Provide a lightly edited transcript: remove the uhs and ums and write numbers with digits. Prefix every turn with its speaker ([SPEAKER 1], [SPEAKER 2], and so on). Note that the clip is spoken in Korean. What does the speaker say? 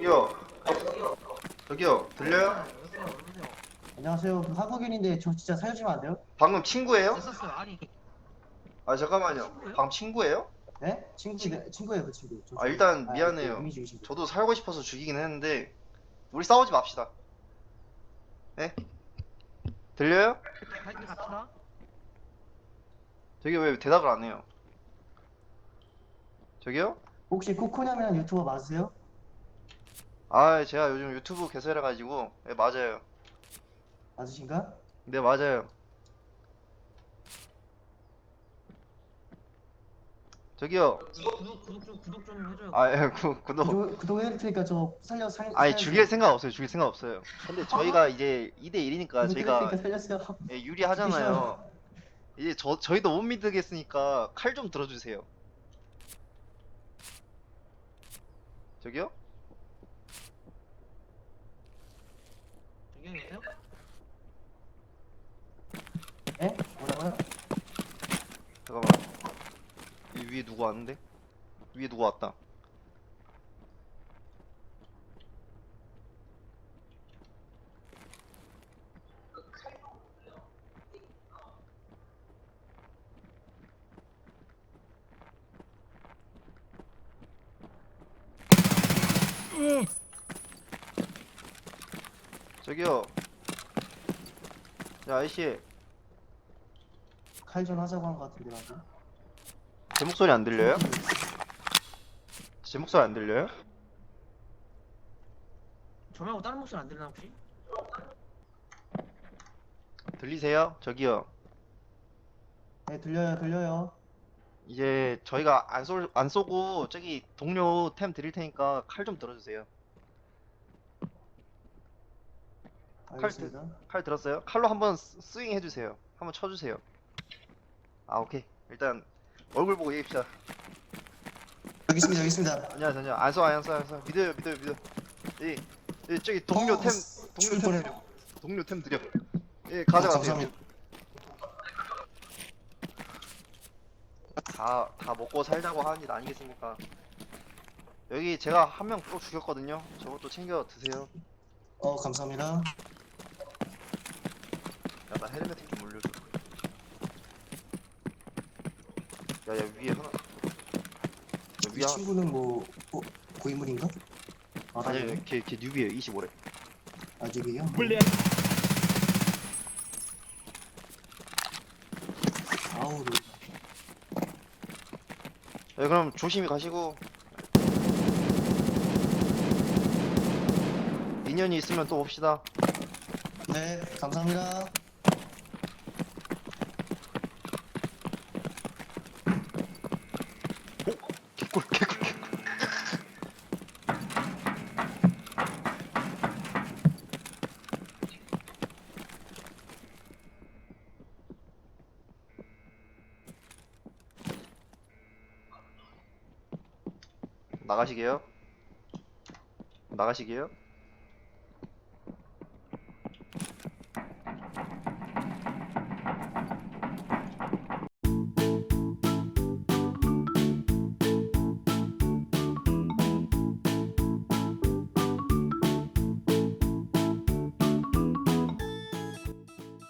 [SPEAKER 1] 저기요, 저기요, 들려요?
[SPEAKER 2] 안녕하세요. 그 한국인인데 저 진짜 살려주면 안 돼요?
[SPEAKER 1] 방금 친구예요?
[SPEAKER 3] 됐었어요. 아니
[SPEAKER 1] 아, 잠깐만요.
[SPEAKER 3] 친구예요?
[SPEAKER 1] 방금 친구예요?
[SPEAKER 2] 네? 친구예요, 그 친구. 저
[SPEAKER 1] 아,
[SPEAKER 2] 친구.
[SPEAKER 1] 일단
[SPEAKER 2] 그
[SPEAKER 1] 미안해요.
[SPEAKER 2] 이미지 친구.
[SPEAKER 1] 저도 살고 싶어서 죽이긴 했는데, 우리 싸우지 맙시다. 네? 들려요?
[SPEAKER 3] 갈때 같이나?
[SPEAKER 1] 저기 왜 대답을 안 해요? 저기요?
[SPEAKER 2] 혹시 코코냐면 유튜버 맞으세요?
[SPEAKER 1] 아, 제가 요즘 유튜브 개설해가지고, 네, 맞아요.
[SPEAKER 2] 맞으신가?
[SPEAKER 1] 네, 맞아요. 저기요.
[SPEAKER 3] 구독 좀 해줘요.
[SPEAKER 1] 아, 예, 구독.
[SPEAKER 2] 구독해드릴 테니까 저
[SPEAKER 1] 아니,
[SPEAKER 2] 살려주세요.
[SPEAKER 1] 죽일 생각 없어요. 죽일 생각 없어요. 근데 저희가 이제 2대 1이니까
[SPEAKER 2] 구독해드릴
[SPEAKER 1] 저희가
[SPEAKER 2] 테니까 살려주세요.
[SPEAKER 1] 예,
[SPEAKER 2] 죽기
[SPEAKER 1] 유리하잖아요.
[SPEAKER 2] 싫어요.
[SPEAKER 1] 이제 저희도 못 믿겠으니까 칼 좀 들어주세요. 저기요?
[SPEAKER 3] 안녕하세요.
[SPEAKER 2] 예? 뭐라고요?
[SPEAKER 1] 잠깐만. 이 위에 누구 왔는데? 위에 누구 왔다. 저기요. 야, 아이씨.
[SPEAKER 2] 칼전 하자고 한 것 같은데 방금.
[SPEAKER 1] 제 목소리 안 들려요? 제 목소리 안 들려요?
[SPEAKER 3] 저 말고 다른 목소리 안 들리나 혹시?
[SPEAKER 1] 들리세요? 저기요.
[SPEAKER 2] 네, 들려요.
[SPEAKER 1] 이제 저희가 안 쏘고 저기 동료 템 드릴 테니까 칼 좀 들어주세요.
[SPEAKER 2] 알겠습니다.
[SPEAKER 1] 칼 들었어요? 칼로 한번 스윙 해주세요. 한번 쳐주세요. 아, 오케이. 일단 얼굴 보고 얘기합시다.
[SPEAKER 2] 알겠습니다.
[SPEAKER 1] 안녕하세요. 안 써. 믿어요. 저기 동료 템
[SPEAKER 2] 죽을
[SPEAKER 1] 드려.
[SPEAKER 2] 뻔해.
[SPEAKER 1] 동료 템 드려. 예, 가져가세요.
[SPEAKER 2] 감사합니다.
[SPEAKER 1] 다 먹고 살자고 하는 일 아니겠습니까? 여기 제가 한 명 또 죽였거든요. 저것도 챙겨 드세요.
[SPEAKER 2] 감사합니다.
[SPEAKER 1] 야, 나 헬멧 좀 올려줘. 야, 위에 하나.
[SPEAKER 2] 이 친구는 뭐 고인물인가?
[SPEAKER 1] 아니, 걔 뉴비에요. 25래.
[SPEAKER 2] 아직이에요? 아우,
[SPEAKER 1] 네, 그럼 조심히 가시고. 인연이 있으면 또 봅시다.
[SPEAKER 2] 네, 감사합니다.
[SPEAKER 1] 개꿀. 나가시게요?